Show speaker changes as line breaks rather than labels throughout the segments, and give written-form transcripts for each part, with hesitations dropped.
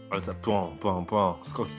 Ale co, płą, skoki.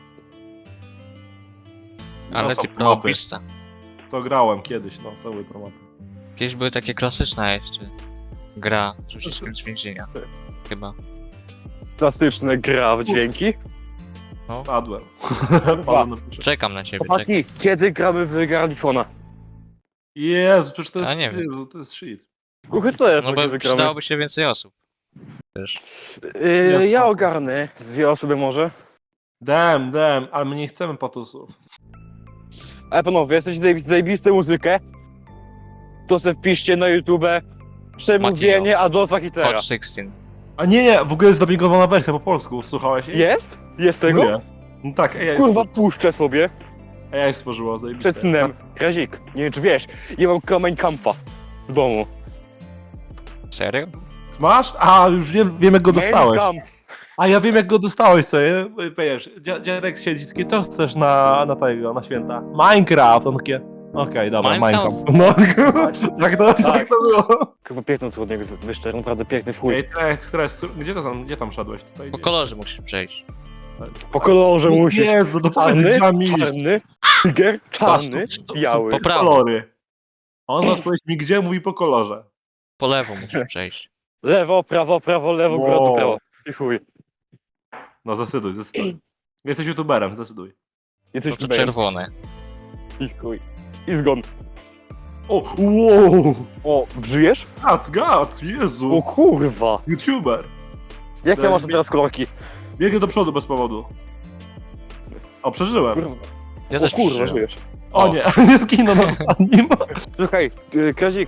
Ale
są
ty
mapy.
propista.
To grałem kiedyś, no, to były promapy.
Kiedyś były takie klasyczne jeszcze. Gra z uciskiem z więzienia. Chyba.
Klasyczne gra w dźwięki.
Padłem.
Dwa.
Padłem na pierwsze.
Czekam na ciebie, czekam.
Chłopaki, kiedy gramy w Garlifona?
Jezu, przecież to
A
jest,
nie wiem.
Jezu, to jest shit.
Kuchy, co jest,
No bo
kiedy gramy?
przydałoby się więcej osób. Też.
Ja ogarnę. Z 2 osoby może.
Dem, ale my nie chcemy patusów.
Ale panowie, jesteście zajebiste muzykę. To se wpiszcie na YouTube. Przemówienie Adolfa Hitlera.
Hot 16.
A nie, w ogóle jest dubbingowana wersja po polsku, słuchałeś jej?
Jest? Jest tego?
No, jest. No tak, AI
Kurwa, puszczę sobie.
stworzyła, zajebiste.
Przed snem. Krazik, nie wiem czy wiesz, ja mam Mein Kampfa w domu.
Serio?
Masz? A, już wiem jak go dostałeś.
Mein Kampf.
A ja wiem jak go dostałeś sobie, wiesz, dziadek siedzi takie, co chcesz na święta? Minecraft, on takie, okej, dobra,
Minecraft.
Minecraft. No, tak to było.
Kurwa, piękną co od niego wyszczerł, naprawdę piękny w chuj.
Ej, stres, gdzie tam szedłeś? Tutaj
Po
gdzieś.
kolorze musisz przejść.
Po kolorze musisz.
Jezu, dopowiedz
Czarny,
drzwiami iść.
czarny, tiger, czarny, biały.
Po prawo.
Kolory. A on zaraz powiedz mi gdzie, mówi po kolorze.
Po lewo musisz przejść.
Lewo, prawo, lewo, góra,
Wow.
do prawo. I chuj.
No zdecyduj. Jesteś youtuberem, zdecyduj.
No
Jesteś
to
tutaj.
czerwone.
I chuj. I zgon.
O, wow!
O, żyjesz?
Gac,
O
Jezu!
kurwa.
YouTuber!
Jakie masz teraz kolorki?
Biegnie do przodu bez powodu. O, przeżyłem.
Kurwa.
Ja
O
też
kurwa,
przeżyłem.
żyjesz.
O nie, nie zginął na ostatnim.
Słuchaj, Krazik.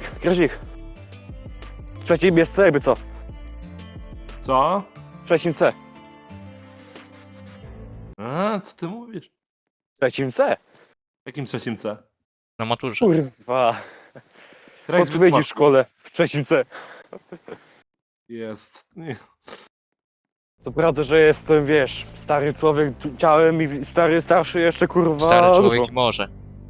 W trzecim jest C, jakby co?
Co?
W trzecim C.
A, co ty mówisz?
W trzecim C.
W jakim trzecim C?
Na maturze.
Kurwa.
Trex
Odpowiedzi w
wytłumacz.
szkole. W trzecim C.
Jest. Nie.
Co prawda, że jestem, wiesz, stary człowiek ciałem i starszy jeszcze, kurwa.
Stary człowiek
dużo.
i morze.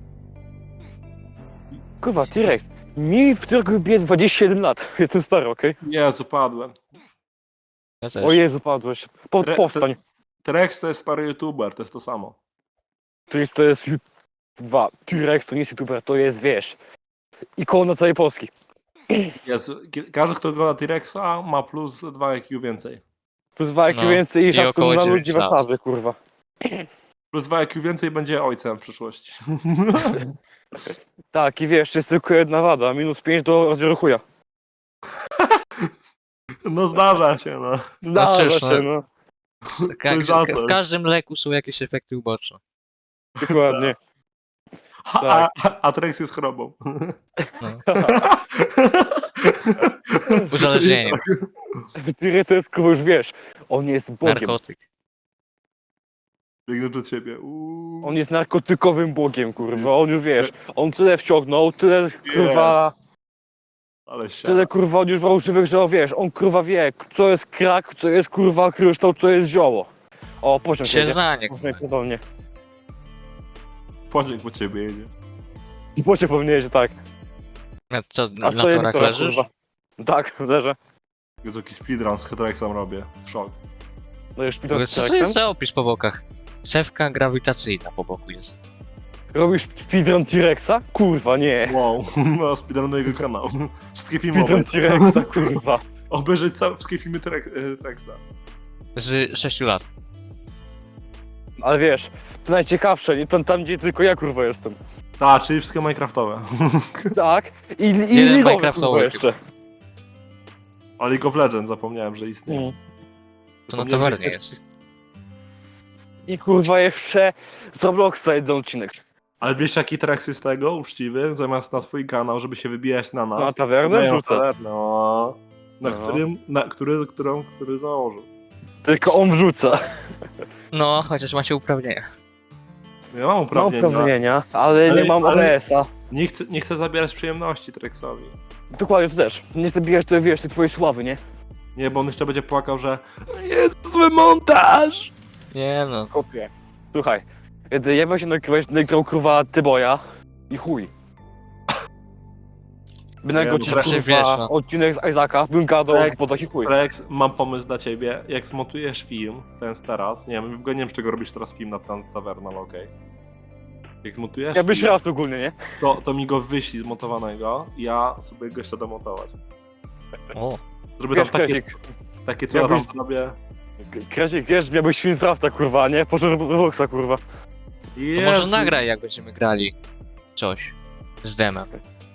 Kurwa, T-Rex. Mi w tym roku bije 27 lat. Jestem stary, okej?
Jezu, padłem.
Ja też.
O Jezu, padłeś. Powstań.
Trex to jest stary youtuber, to jest to samo.
T-Rex to jest... T-Rex to nie jest youtuber, to jest, wiesz, ikona całej Polski.
Jezu, każdy kto ogląda T-Rexa ma plus 2 IQ więcej.
Plus 2 IQ
No,
więcej i
i
rzadko
około
na
9
ludzi
lat.
Warszawy, kurwa.
Plus 2 IQ więcej będzie ojcem w przyszłości.
Tak, i wiesz, jest tylko jedna wada. Minus 5 do rozbioru chuja.
No zdarza się, no.
Zdarza
cóż,
się, no.
Coś za coś.
W każdym leku są jakieś efekty uboczne.
Dokładnie.
A Trex jest chorobą.
No. Uzależnienie.
T-Rex to jest, kurwa, już wiesz, on jest bogiem.
Narkotyk.
Biegnę przed siebie.
On jest narkotykowym bogiem, kurwa. On już wiesz, on tyle wciągnął, tyle kurwa,
Ale się.
tyle kurwa on już brał żywych, że wiesz, on kurwa wie, co jest krak, co jest kurwa kryształ, co jest zioło. O, poziom
Się
jedzie.
znanie.
Można pierdolnie.
Pociąg po ciebie jedzie.
I pocie powinieneś, że tak.
A co,
A
na
stoję
torach
torach,
leżysz?
kurwa. Tak, leżę.
Jezu, jaki speedrun z Trexem robię. Szok.
No już
W ogóle
speedrun
Co to jest za opis po bokach? Cewka grawitacyjna po boku jest.
Robisz speedrun T-Rexa? Kurwa, nie.
Wow, no speedrun jego kanał. Wszystkie
Speedrun
filmowe.
T-Rexa, kurwa.
Obejrzeć wszystkie filmy Trexa.
Z 6 lat.
Ale wiesz, to najciekawsze, nie tam gdzie tylko ja kurwa jestem.
Tak, czyli wszystkie Minecraftowe.
Tak, i
Jeden
ligowy
Minecraftowy
kurwa jeszcze.
O League of Legends zapomniałem, że istnieje.
Mm.
To na
Zapomniałem, że
tawernie
jest-
jest.
I kurwa jeszcze z Robloxa jeden odcinek.
Ale wiesz jaki Trex jest tego, uczciwy, zamiast na swój kanał, żeby się wybijać na nas.
Na tawernę
dają
wrzuca.
tawernę, no.
No.
Który założył.
Tylko on wrzuca.
No, chociaż macie uprawnienia.
Ja mam
Mam
uprawnienia.
uprawnienia, ale nie mam
ale-
OBS-a.
Nie chcę zabierać przyjemności Trexowi.
Dokładnie, to też. Nie zabijać to, wiesz, tej twojej sławy, nie?
Nie, bo on jeszcze będzie płakał, że jest zły montaż!
Nie no.
Kopie. Słuchaj, kiedy ja się nagrał kurwa Tyboja i chuj. By nagrał
no
ci
proszę,
kurwa
wiesz, no.
odcinek z Isaaca, bym gadał
Tak.
po taki chuj.
Rex, mam pomysł dla ciebie. Jak zmontujesz film, ten jest teraz, nie wiem, w ogóle nie wiem, z czego robisz teraz film na Taverna, ale okej. Jak zmontujesz
Ja byś
film,
raz ogólnie, nie?
to mi go wyślij zmontowanego i ja sobie go jeszcze domontować.
O,
Żeby tam
Wiesz,
takie,
Kresik,
takie co ja tam
jakbyś-
zrobię.
Kresik, wiesz, miałbyś film z Rafta, kurwa, a nie? Poszedł do Roxa, kurwa.
to
Jezu.
może nagraj, jak będziemy grali coś z demem.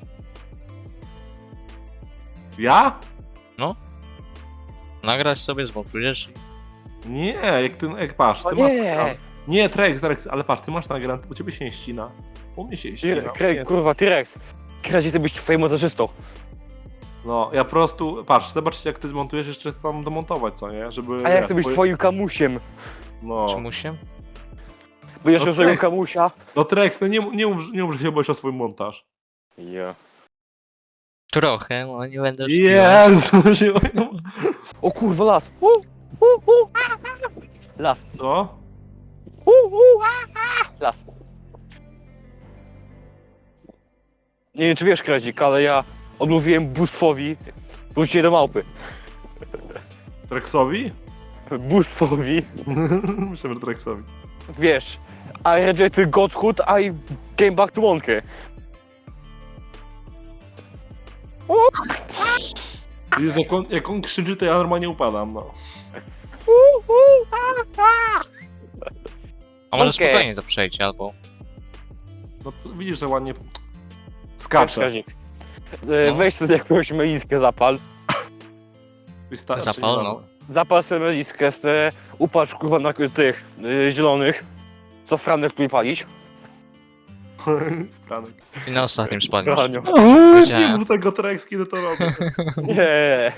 Ja?
Nagrać sobie, zmontujesz.
Nie, jak patrz,
O
ty masz...
nie!
Nie, Trex, ale patrz, ty masz nagrane, u ciebie się nie ścina. U mnie się ścina.
Kurwa, T-Rex. Kresik, ty byś twoim montażystą.
No, ja po prostu, patrz, zobaczcie jak ty zmontujesz, jeszcze tam domontować, co nie? Żeby...
A ja
wiesz,
chcę być twoim kamusiem.
No.
Czy musiem?
Będziesz
No
miał swojego
Trex.
kamusia.
No Trex, no nie mów, że się boisz o swój montaż.
Ja.
Trochę, no nie będę oszukiwał.
Jezu, się...
O kurwa, las. Las.
Co?
Las. Nie wiem, czy wiesz, Kresik, ale ja odmówiłem bóstwowi wrócić do małpy.
Trexowi?
Bóstwowi.
Myślałem, że Trexowi.
Wiesz, I rejected Godhood, I came back to Monkey.
Jezu, jak on krzyczy, to ja normalnie upadam, no.
A może
Okej.
spokojnie to przejdź, albo...
No widzisz, że ładnie
Wiesz,
skacze.
Kresik.
No.
Weź sobie jakąś meliskę zapal.
Zapal, no.
Zapal sobie meliskę, upatrz kurwa na tych zielonych. Co Franek tu palić?
Franek.
I na ostatnim spadniesz.
Franio.
Nie
Wiedziałem.
mów tego Trex, kiedy to robię.
Nie.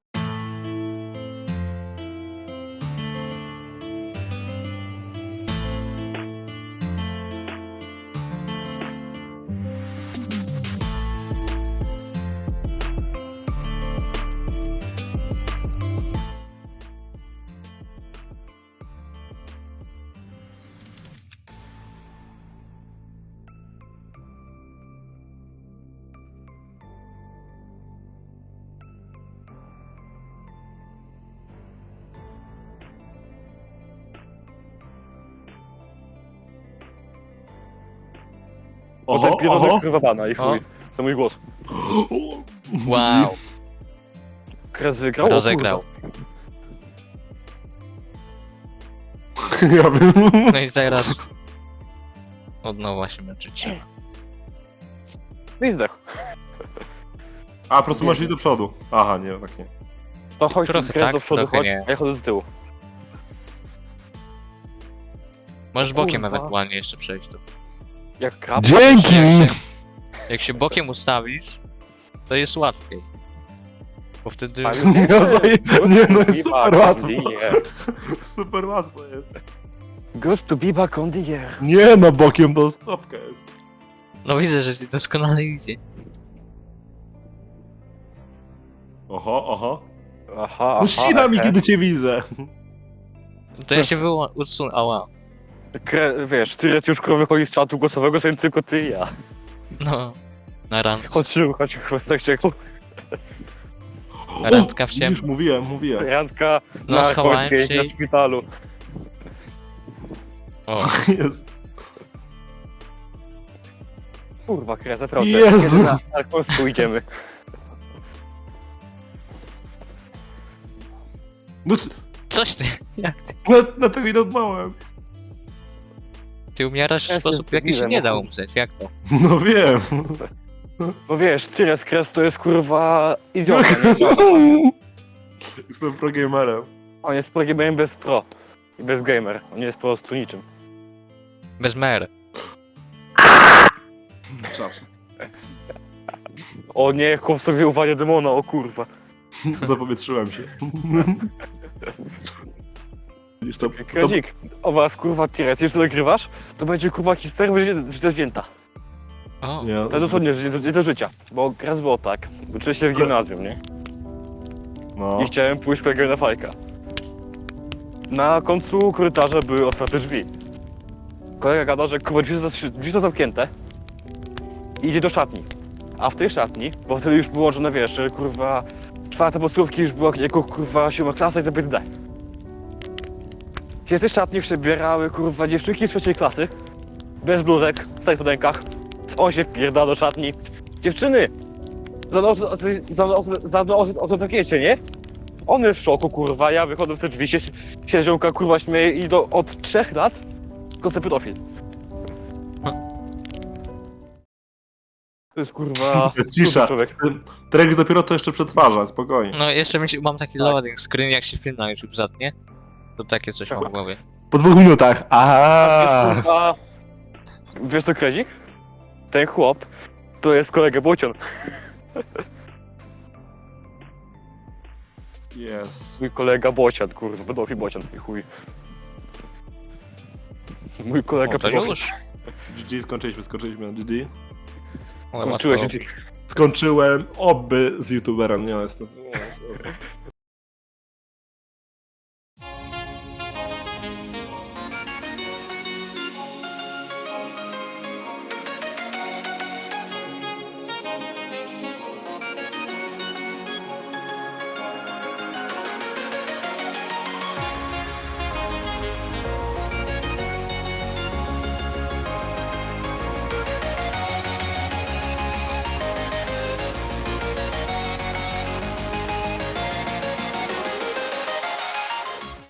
Potem pierdolę kurwa bana i chuj. To mój głos.
Wow,
Kres wygrał? O
rozegrał.
Ja bym...
No i teraz... Od nowa się męczyć.
kurwa. I zdechł.
A, po prostu masz iść do przodu. Aha, nie, tak nie.
To chodź
Trochę
Kres
tak,
do przodu,
trochę
chodź,
nie.
a ja chodzę do tyłu.
Możesz bokiem
Kurwa.
ewentualnie jeszcze przejść tu.
Jak krab.
Dzięki!
Jak się bokiem ustawisz, to jest łatwiej. Bo wtedy...
No, nie, no jest super łatwo. Super łatwo jest.
Good to be back on the air.
Nie, no bokiem to stopka jest.
No widzę, że ci doskonale idzie.
Oho.
Aha,
No ścina mi, kiedy cię widzę.
To ja się usunę, ała.
Wiesz, ty już wychodzi z czatu głosowego, są tylko ty i ja.
No. Na randce.
Chodź, chwestek
Randka w ciemno.
Już mówiłem.
Randka
No,
na
schowałem
Polskiej,
się
na
i-
szpitalu.
O,
Jezu.
Kurwa, Kres, naprawdę.
Jezu.
Kiedy na Polsku idziemy?
No,
coś ty, jak ty?
na tego nie odmałem.
Ty umierasz w
Ja
sposób,
jestem
jaki się
debilem,
nie da
o.
umrzeć, jak to?
No wiem.
Bo wiesz, Tyres Kres to jest kurwa idiota, nie idiota.
Jestem progamerem.
On jest pro gamerem bez pro. I bez gamer. On nie jest po prostu niczym.
Bez mer.
Przepraszam.
O nie, chłop sobie uwalnia demona, o kurwa.
Zapowietrzyłem się. Widzisz, to
Kredzik, o was kurwa Tyres, jeśli to nagrywasz, to będzie kurwa historia, będzie źle wzięta.
O,
Nie,
To dosłownie nie do życia. Bo raz było tak. Uczyłem się w gimnazjum, nie?
no.
I chciałem pójść z kolegą na fajka. Na końcu korytarza były otwarte drzwi. Kolega gada, że kurwa drzwi są zamknięte. I idzie do szatni. A w tej szatni Bo wtedy już było, że no wiesz, że, kurwa, czwarta podstawówki już było jako kurwa 7 klasa i to BD. Się te szatnie przebierały, kurwa, dziewczynki z trzeciej klasy. Bez bluzek, w starych spodenkach. On się wpierda do szatni. Dziewczyny! Za mną o to zakiecie, nie? On jest w szoku, kurwa, ja wychodzę w te drzwi, się ziomka, kurwa, śmieje i od 3 lat tylko sobie pedofil. To jest, kurwa,
Cisza.
super człowiek.
Trek dopiero to jeszcze przetwarza, spokojnie.
No jeszcze mam taki loading screen, jak się film na YouTube zatnie. To takie coś mam w głowie.
Po 2 minutach. Aha.
Wiesz, kurwa, wiesz co, Krezik? Ten chłop to jest kolega Bocian.
Jest.
Mój kolega Bocian, kurwa, pedofil Bocian, i chuj. Mój kolega
O, to
pedofil.
już?
GG, skończyliśmy na GG.
O,
Skończyłeś
łatwo.
się.
Skończyłem, oby z youtuberem, nie jest to...